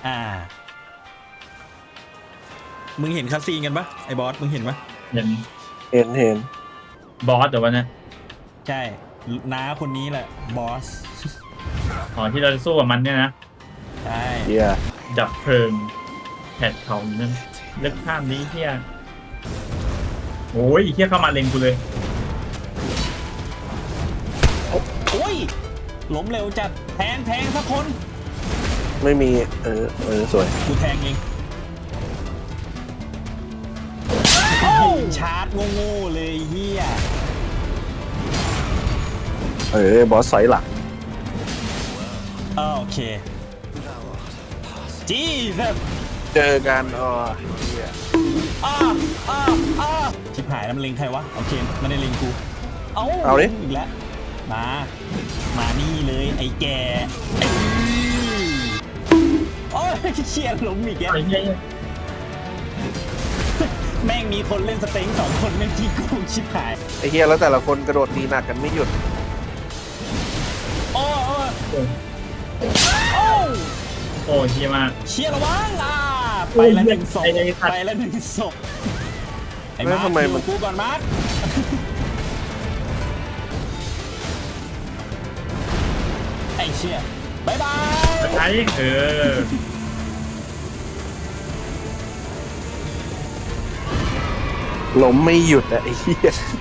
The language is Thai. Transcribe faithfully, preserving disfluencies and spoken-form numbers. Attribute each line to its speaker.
Speaker 1: อ่ามึงเห็นคัสซีนกันปะไอ้บอสมึงเห็นปะ
Speaker 2: เห็น
Speaker 3: เห็นเห็น
Speaker 2: บอสแต่ว่านะ
Speaker 1: ใช่น้าคนนี้แหละบอส
Speaker 2: อ๋อที่เราจะสู้กับมันเนี่ยนะ
Speaker 1: ใช่
Speaker 3: เฮีย
Speaker 2: ดับเพลิงแผดเขานั่นเลือกข้ามนี้เฮียโอ้ยเฮียเข้ามาเล็งกูเลย
Speaker 1: โอ้ยล้มเร็วจัดแทงแทงสักคน
Speaker 3: ไม่มีเออเออสวย
Speaker 1: กูแทงเองชาร์จโง่ๆเลยเฮีย
Speaker 3: เออบอสไซส์หลัง
Speaker 1: อ่าโอเคจีแบบ
Speaker 3: เจอกันอ๋อเฮีย
Speaker 1: อ้าอ้าอ้าชิบหายแล้วมันเล็งใครวะโอเคมันได้เล็งกูเอา
Speaker 3: เอาดิ
Speaker 1: อีกแล้วมามานี่เลยไอ้แกไอ้โอ้ยเชียร์ล้มอีกแก
Speaker 2: ไอ้เฮีย
Speaker 1: แม่งมีคนเล่นสเต็งสองคนแม่งที่กูชิบหาย
Speaker 3: ไอเฮียแล้วแต่ละคนกระโดดตีหนักกันไม่หยุด
Speaker 1: โอ้โอ้
Speaker 2: โอ้
Speaker 1: โอ้
Speaker 2: โอ้เฮียมาก
Speaker 1: เชียร์ระวังอ่าไปแล้วหนึ่งศพ
Speaker 2: ไอ้ไอ้สัตว์
Speaker 1: ไปแล้วหนึ่งศพไอ้
Speaker 3: แล้ว
Speaker 1: มาร์ค
Speaker 3: ทำไม
Speaker 1: อยู่
Speaker 3: มัน
Speaker 1: กูก่อนมาร์คไอ้เชียร์บายบาย
Speaker 2: ไอ้เออ
Speaker 3: ล้มไม่หยุดอะไอเฮีย